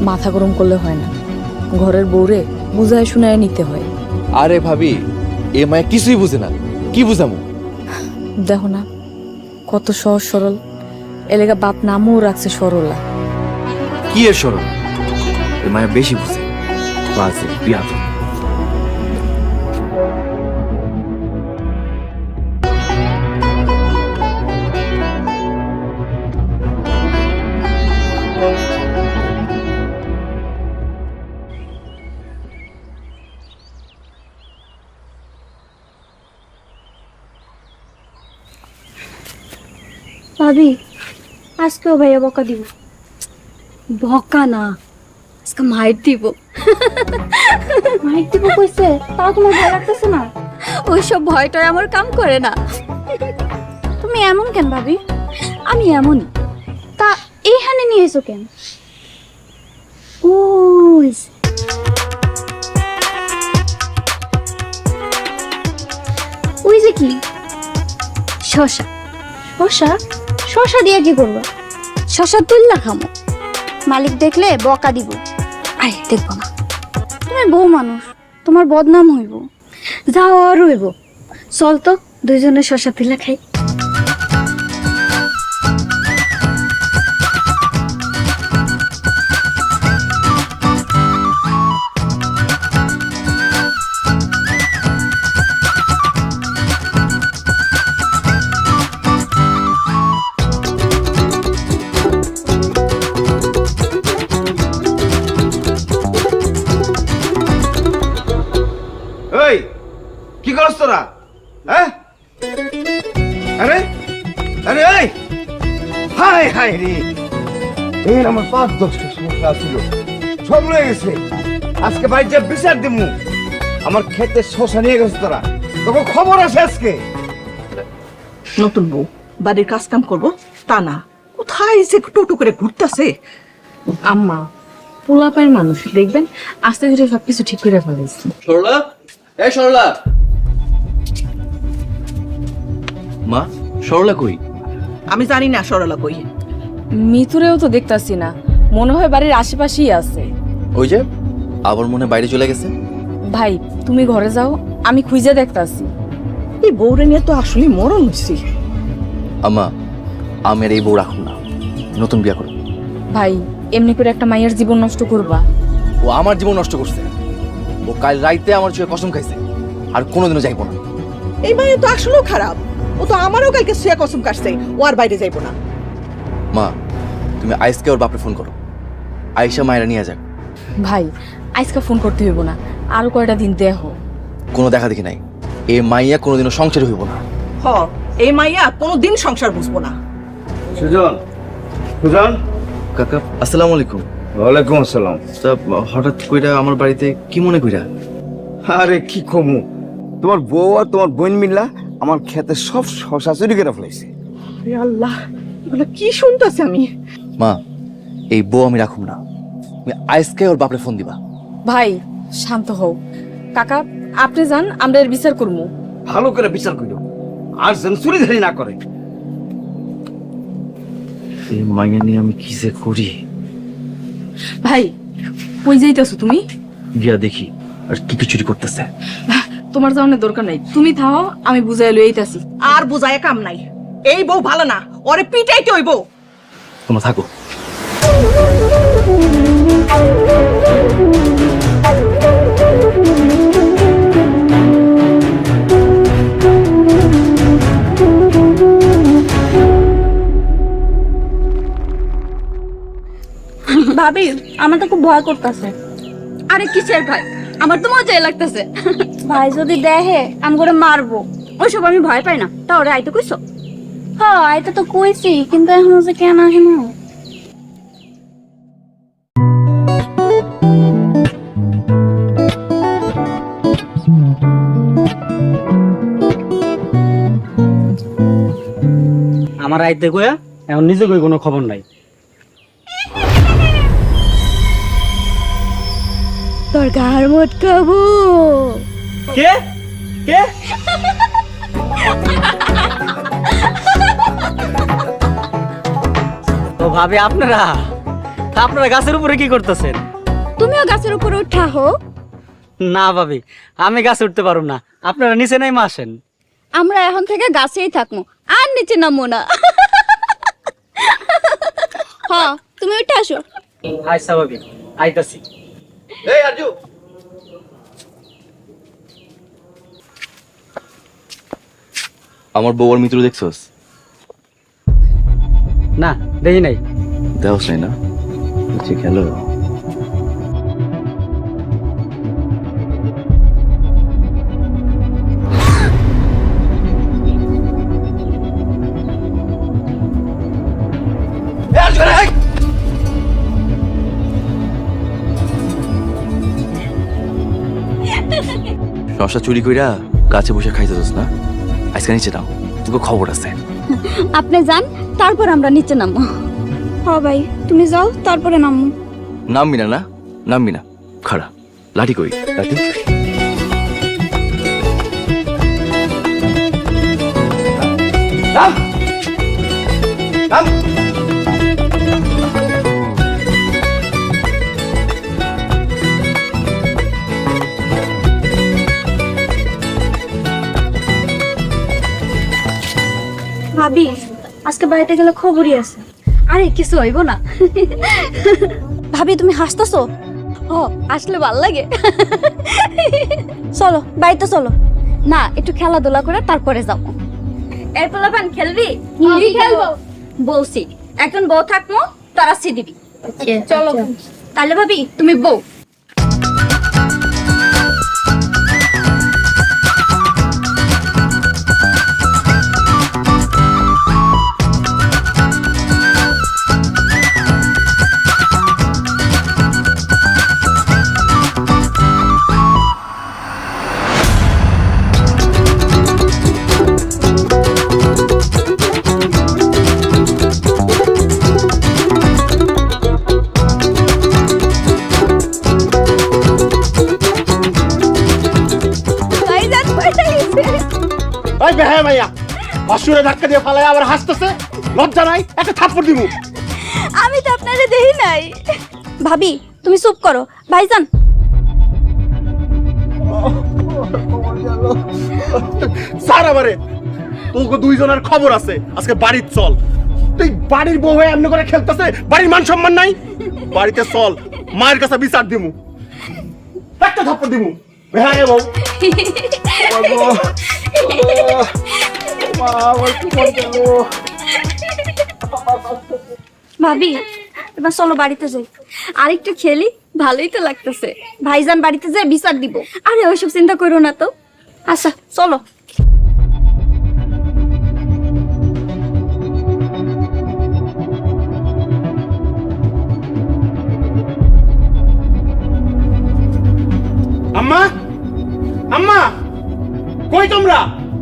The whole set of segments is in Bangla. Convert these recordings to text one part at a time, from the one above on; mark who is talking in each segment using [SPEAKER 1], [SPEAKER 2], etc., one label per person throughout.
[SPEAKER 1] মাথা গরম করলে হয় না, ঘরের বউরে বুঝায় শুনায় নিতে হয়।
[SPEAKER 2] আরে ভাবি, এ মায়া কিছুই বুঝে না, কি বুঝামু?
[SPEAKER 1] দেখো না কত সহজ সরল, এলাকা বাপ নামও রাখছে সরলা।
[SPEAKER 2] কি এর সরল? এ মায়া বেশি বুঝে, বাজে বিয়াদ।
[SPEAKER 3] ভাবি আজকেও ভাইয়া বকা দিব। বকা না, আজকে মাইর দিব। মাইর দিব কইছে, তাও তোমার ভয় লাগতেছে না? ওইসব ভয়টাই আমার কাম করে না। তুমি এমন কেন ভাবি? আমি এমনই। তা এইখানে নিয়ে এসো কেন? ওই ওই যে কি শশা। শশা? শশা দিয়ে কি করবো? শশা তুললা খামো, মালিক দেখলে বকা দিব। আরে দেখবো না, তুমি বউ মানুষ, তোমার বদনাম হইব। যাও আর হইব, চল তো দুইজনে শশা তুলা খাই।
[SPEAKER 4] এই কি করছ তোরা? হ্যাঁ, আরে আরে এই হাই হাই রে, এই আমার ৫-১০টা সমস্যা ছিল, সব রয়ে গেছে। আজকে বাড়িতে বিচার দিমু। আমার খেতে শশা নিয়ে গেছে তোরা, তোকে খবর আছে আজকে।
[SPEAKER 5] নতুন বউ বাড়ির কাজ কাম করবো তা না, কোথায় যে টোটো করে ঘুরতেছে।
[SPEAKER 1] আম্মা পোলাপায়ের মানুষ, দেখবেন আস্তে ধীরে সবকিছু ঠিক করে ফেলেছি।
[SPEAKER 2] সরলা, এই সরলা। মা, সরলা কই?
[SPEAKER 5] আমি জানি না সরলা কই।
[SPEAKER 1] মিতুরেও তো দেখতাছি না, মনে হয় বাড়ির আশেপাশেই আছে।
[SPEAKER 2] ওই যে আবার মনে হয় বাইরে চলে গেছে।
[SPEAKER 1] ভাই তুমি ঘরে যাও, আমি খুঁজে দেখতাছি।
[SPEAKER 5] এই বউরে নিয়ে তো আসলে মরণ হচ্ছি।
[SPEAKER 2] আম্মা, আমের এই বউ রাখুন না, নতুন বিয়া করো।
[SPEAKER 1] ভাই এমনি করে একটা মায়ের জীবন নষ্ট করবা?
[SPEAKER 2] ও আমার জীবন নষ্ট করছে। ও কাল রাইতে আমার চোখে কসম খাইছে, আর কোনোদিনও যাইবো না।
[SPEAKER 5] এই মায়ে তো আসলেও খারাপ, ও তো আমারও কালকে শুয়ে কসম কাটছে ও আর বাইরে যাইবো না।
[SPEAKER 2] মা, তুমি আইসকে ওর বাপরে ফোন করো, আয়েশা মায়েরা নিয়ে যাক।
[SPEAKER 1] ভাই আজকে ফোন করতে হইব না, আরো কয়টা দিন দেহ।
[SPEAKER 2] কোনো দেখা দেখি নাই, এই মাইয়া কোনোদিনও সংসারী হইব না।
[SPEAKER 5] হ, এই মাইয়া কোনোদিন সংসার বুঝবো না।
[SPEAKER 4] সুজন, সুজন।
[SPEAKER 2] কাকা আসসালামু আলাইকুম।
[SPEAKER 4] ওয়ালাইকুম আসসালাম।
[SPEAKER 2] তা হঠাৎ কইরা আমার বাড়িতে কি মনে কইরা?
[SPEAKER 4] আরে কি কমু, তোমার বউ আর তোমার বোন মিল্লা আমার খেতে সব শশা চুরি করে ফেলাইছে।
[SPEAKER 5] আরে আল্লাহ, এগুলো কি শুনতেছি আমি।
[SPEAKER 2] মা, এই বউ আমি রাখুম না, তুমি আইসকে ওর বাপরে ফোন দিবা।
[SPEAKER 1] ভাই শান্ত হও। কাকা আপনি যান, আমরা এর বিচার করবো।
[SPEAKER 4] ভালো করে বিচার করিও, আর যেন চুরিধারি না করে।
[SPEAKER 2] এই মাইয়া নিয়ে আমি কি যে করি।
[SPEAKER 1] ভাই কই যাইতেছো তুমি?
[SPEAKER 2] গিয়া দেখি আর কি কি চুরি করতেছে।
[SPEAKER 1] তোমার যাওয়ার দরকার নাই, তুমি থাও, আমি বুঝাই লইতাছি।
[SPEAKER 5] আর বুঝায় কাম নাই, এই বউ ভালো না, ওরে পিটাইতে হইব।
[SPEAKER 2] তোমরা থাকো।
[SPEAKER 3] ভাবি আমার তো খুব ভয় করতেছে। আরে কিসের ভয়? আমার তো মজাই লাগতেছে। ভাই যদি দেখে আমি করে মারবো। ওইসব আমি ভয় পাই না। তা ওরে আইতে কইছো? হ্যাঁ আইতে তো কইছি, কিন্তু এখন যে কেন আসে না।
[SPEAKER 6] আমার আইতে কয়া এখন নিজে কই কোনো খবর নাই।
[SPEAKER 3] তোর গার মটকাবো।
[SPEAKER 6] কে কে? তো ভাবে আপনারা আপনারা গাছের উপরে কি করতেছেন?
[SPEAKER 3] তুমিও গাছের উপরে উঠা হো।
[SPEAKER 6] না ভাবি, আমি গাছে উঠতে পারবো না, আপনারা নিচে নেমে আসেন।
[SPEAKER 3] আমরা এখন থেকে গাছেই থাকবো, আর নিচে নামবো না। হ্যাঁ, তুমি উঠে আসো।
[SPEAKER 6] আচ্ছা ভাবি, আইতাছি।
[SPEAKER 4] এই আরজু,
[SPEAKER 2] আমার বউর মিত্র দেখছস?
[SPEAKER 6] না, দেখি নাই।
[SPEAKER 2] দেওস নাই না? আচ্ছা খেলো।
[SPEAKER 4] এই আরজু, এই!
[SPEAKER 2] শশা চুরি কইরা গাছে বসে খাইতেছস না? আজকে নিচে নাও, তোকে খবর আছে।
[SPEAKER 3] আপনি যান, তারপর আমরা নিচে নামবো। হ্যাঁ ভাই, তুমি যাও, তারপরে নামবো।
[SPEAKER 2] নামবি না? না নামবি না? খাড়া লাঠি কই, লাঠি।
[SPEAKER 4] নাম! নাম!
[SPEAKER 3] ভাবি, আজকে বাড়িতে গেলে খবরই আছে। আরে কিছু হইব না। ভাবি, তুমি হাসতেছো? ও, আসলে ভাল লাগে। চলো বাড়িতে চলো। না, একটু খেলাধুলা করে তারপরে যাবো। এর পোলাপান খেলবি? খেলবো বলছি। একজন বউ থাকবো, তারা সি দিবি। চলো তাহলে ভাবি, তুমি বউ।
[SPEAKER 4] ওই বেহায়া মাইয়া, অসুরে ধাক্কা দিয়ে ফালায় আবার হাসতেছে, লজ্জা নাই? একটা থাপ্পড় দিমু।
[SPEAKER 3] আমি তো আপনারে দেখি নাই। ভাবি, তুমি চুপ করো। ভাইজান,
[SPEAKER 4] স্যার আমারে, তোকে দুইজনের খবর আছে, আজকে বাড়ির চল। তুই বাড়ির বউ হয়ে এমনি করে খেলতেছে, বাড়ির মান সম্মান নাই? বাড়িতে চল, মায়ের কাছে বিচার দিমু, একটা থাপ্পড় দিমু। বেহায়া বউ।
[SPEAKER 3] ভাবি, এবার চলো বাড়িতে যাই। আরেকটু খেলি, ভালোই তো লাগতেছে। ভাইজান বাড়িতে যাই বিচার দিব। আরে ওইসব চিন্তা করো না তো। আচ্ছা চলো।
[SPEAKER 4] আম্মা, আম্মা, কই তোমরা?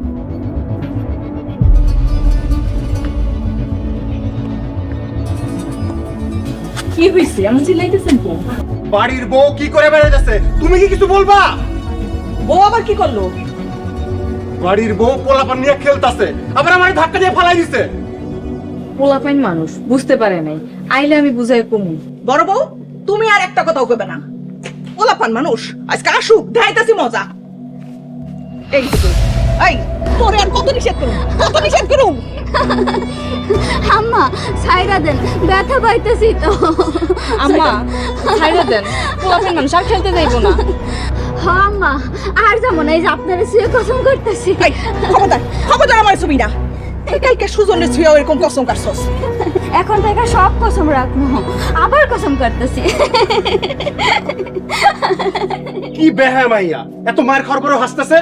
[SPEAKER 1] কি হইছে? এমন চিল্লাইতেছেন তো?
[SPEAKER 4] বাড়ির বউ কি করে বেড়াইতেছে, তুমি কি কিছু বলবা?
[SPEAKER 5] বউ আবার কি করলো?
[SPEAKER 4] বাড়ির বউ পোলাপান নিয়ে খেলতাছে, আবার আমার ধাক্কা দিয়ে ফালাই দিছে।
[SPEAKER 1] পোলাপাইন মানুষ বুঝতে পারে নাই, আইলে আমি বুঝাই কমু।
[SPEAKER 5] বড় বউ, তুমি আর একটা কথাও কইবে না। ওলাপান মানুষ, আজকে আসুক, দেখাইতাছি মজা। এই যে তুই, এই তোরে আর কত নিষেধ করুম, কত নিষেধ করুম।
[SPEAKER 3] আম্মা, ছাইরা দেন, ব্যথা পাইতেছি তো।
[SPEAKER 1] আম্মা ছাইরা দেন, পোলাপাইন মানুষ আর খেলতে যাইবো না।
[SPEAKER 3] হ্যাঁ আম্মা, আর যাবো না। এই যে আপনারা শুয়ে কসম করতেছি।
[SPEAKER 5] এই খবরদার, খবরদার আমার ছবি না। কালকে সুজনের ছুঁয়ে এরকম কসম কাটছস।
[SPEAKER 3] এখন থেকে সব কসম রাখবো, আবার কসম করতেছি।
[SPEAKER 4] কি বেহায়া মাইয়া, এত মায়ের খাওয়ার পরেও হাসতেছে।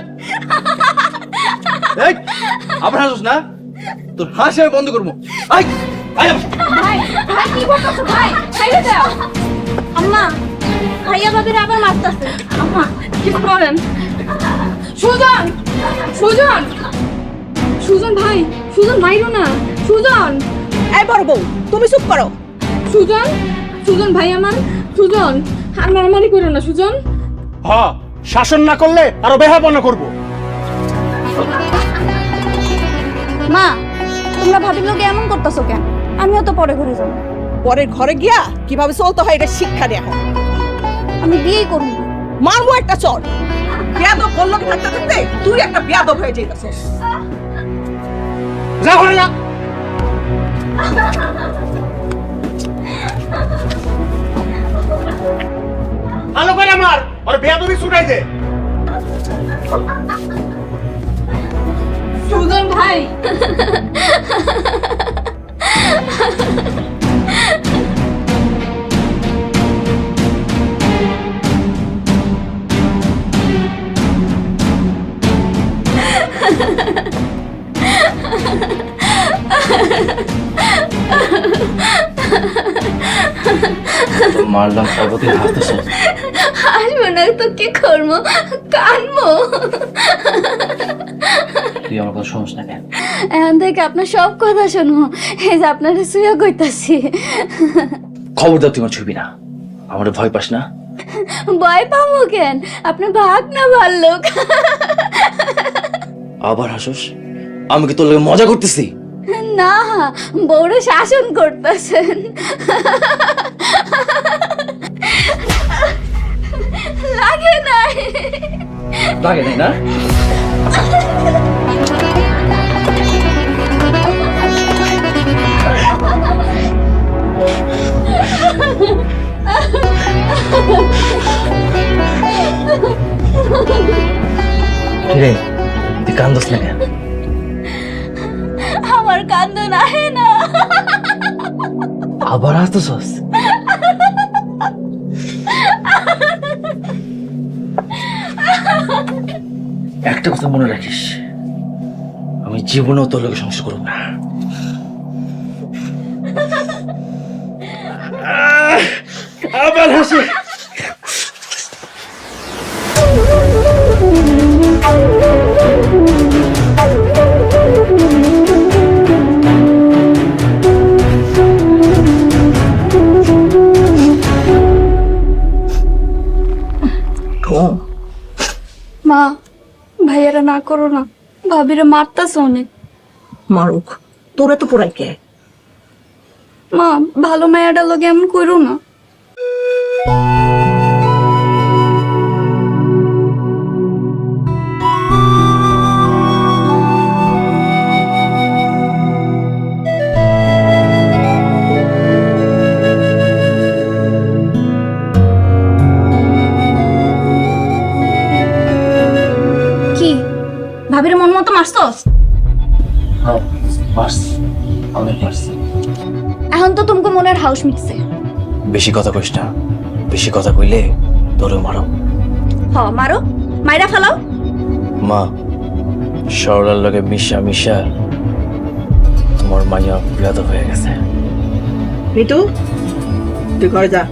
[SPEAKER 2] এই আবার হাসোস না? তোর হাসি আমি বন্ধ করবো। আই আই
[SPEAKER 3] ভাই, ভাই কি বলতেছো ভাই? ছাইরা দাও। আম্মা, ভাইয়া ভাবির আবার মারতেছে। আম্মা,
[SPEAKER 1] কি করেন? সুজন, সুজন, সুজন ভাই, সুজন ভাইরো না, সুজন,
[SPEAKER 5] এই বড় বউ, তুমি চুপ করো।
[SPEAKER 1] সুজন, সুজন ভাই আমার, সুজন, আর মারামারি করো না সুজন।
[SPEAKER 4] হ্যাঁ, শাসন না করলে আরো বেহাপনা করবো।
[SPEAKER 3] মা, তোমরা ভাবির লোকে এমন করতেছো কেন? আমিও তো পরে ঘরে যাবো।
[SPEAKER 5] পরের ঘরে গিয়া কিভাবে চলতে হয় এটা শিক্ষা দেয়া হয়।
[SPEAKER 3] আমি বিয়েই করব না।
[SPEAKER 5] মারমু একটা চর। বেয়াদব বললো থাকতে থাকতে তুই একটা বেয়াদব হয়ে যাইতাছিস।
[SPEAKER 4] যা ঘরে যা। ভালো করে মার, ওর বেয়াদবি ছুটাই দে।
[SPEAKER 3] সুজন ভাই,
[SPEAKER 2] মারলাম সর্বতি হাসতেছে।
[SPEAKER 3] আসবো না তো কি করবো, কানবো।
[SPEAKER 2] তুই আমার কথা শুনিস না কেন?
[SPEAKER 3] এখন থেকে আপনার সব কথা শুনবো। এই যে আপনারা শুয়ে কইতাছি।
[SPEAKER 2] খবরদার তুই আমার ছবি না, আমার ভয় পাস না।
[SPEAKER 3] ভয় পাবো কেন? আপনার ভাগ না ভাল্লুক।
[SPEAKER 2] আবার হাসোস? আমি কি তোর লাগে মজা করতেছি?
[SPEAKER 3] না, বড় শাসন করতেছেন। লাগে নাই।
[SPEAKER 2] লাগে নাই না? কিরে তুই কান্দস না কেন?
[SPEAKER 3] আমার কান্দন আহে না।
[SPEAKER 2] আবার হাসতেছস? একটা কথা মনে রাখিস, আমি জীবনেও তোর লোকে সংসার করব না। আবার হাসি।
[SPEAKER 3] মা, ভাইয়ারা না করো না, ভাবিরে মারতাছ অনেক।
[SPEAKER 5] মারুক, তোরে তো পোড়াই কে?
[SPEAKER 3] মা, ভালো মায়াটা লগে এমন করো না। কি ভাবিরে মন মতো মারছস? এখন তো তোমাকে মনের হাউস মিটছে।
[SPEAKER 2] বেশি কথা কইস না, বেশি কথা কইলে তোরও মারো।
[SPEAKER 3] মারো, মাইরা ফেলাও।
[SPEAKER 2] মা, সরলার লগে মিশা মিশা তোমার মাইয়া বিয়াদ হয়ে গেছে।
[SPEAKER 5] মিটু, তুই ঘরে যা।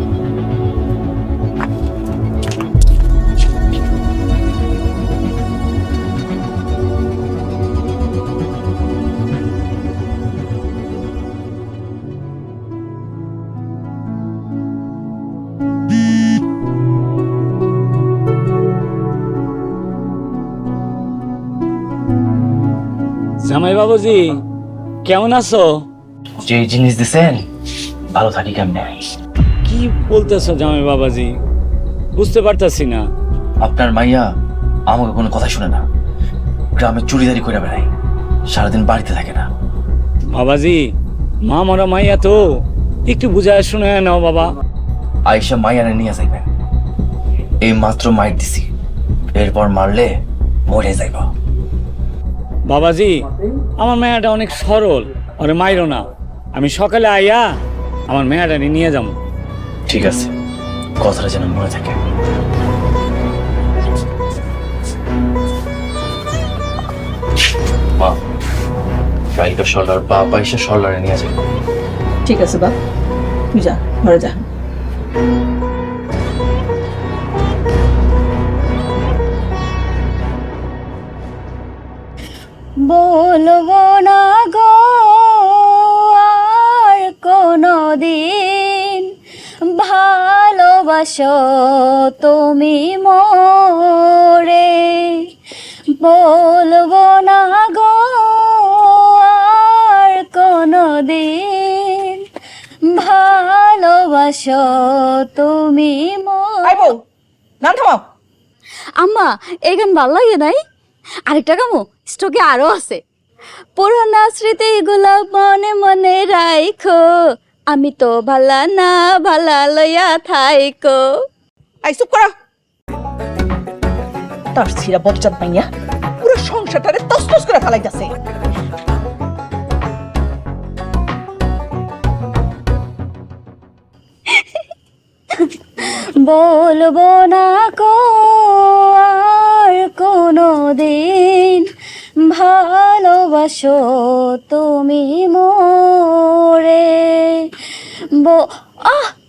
[SPEAKER 7] জামাই বাবুজি কেমন আছো?
[SPEAKER 2] যে জিনিস দিছেন ভালো থাকি কেমনে?
[SPEAKER 7] কি বলতেছো জামাই বাবাজি, বুঝতে পারতাছি না।
[SPEAKER 2] আপনার মাইয়া আমাকে কোনো কথা শুনে না, গ্রামে চুরিদারি করে বেড়ায়, সারাদিন বাড়িতে থাকে না।
[SPEAKER 7] বাবাজি, মা মরা মাইয়া তো, একটু বুঝায় শুনে নাও বাবা।
[SPEAKER 2] আয়েশা মাইয়ানে নিয়ে যাইবেন, এই মাত্র মাইর দিছি, এরপর মারলে মরে যাইব।
[SPEAKER 7] বাবাজি, আমার মেয়াটা অনেক সরল, ওরে মাইরো না। আমি সকালে আইয়া আমার মেয়াটা নিয়ে যাবো।
[SPEAKER 2] ঠিক আছে, কথাটা যেন মনে থাকে। মা, গাড়িটা সরলার বাপ আইসা সরলারে নিয়ে যাবে।
[SPEAKER 5] ঠিক আছে বাপ, তুই যা, ঘরে যা।
[SPEAKER 3] বলবো না গো আর কোনো দিন, ভালোবাসো তুমি মোরে। বলবো না গো আর কোনো দিন, ভালোবাসো তুমি
[SPEAKER 5] আই বউ গান থামাও।
[SPEAKER 3] আম্মা এই গান ভাল লাগে নাই? আরেকটা গামো, স্টকে আরো আছে। পুরানা স্মৃতিগুলো মনে মনে রাখো, আমি তো ভালা না ভালা লইয়া থাইকো।
[SPEAKER 5] আই চুপ করা। তার ছিড়া বজ্জাত মাইয়া পুরো সংসারটারে তসতস করে ফেলাইতাছে।
[SPEAKER 3] বলবো না কো আর কোনো দিন, ভালোবাসো তুমি মোরে।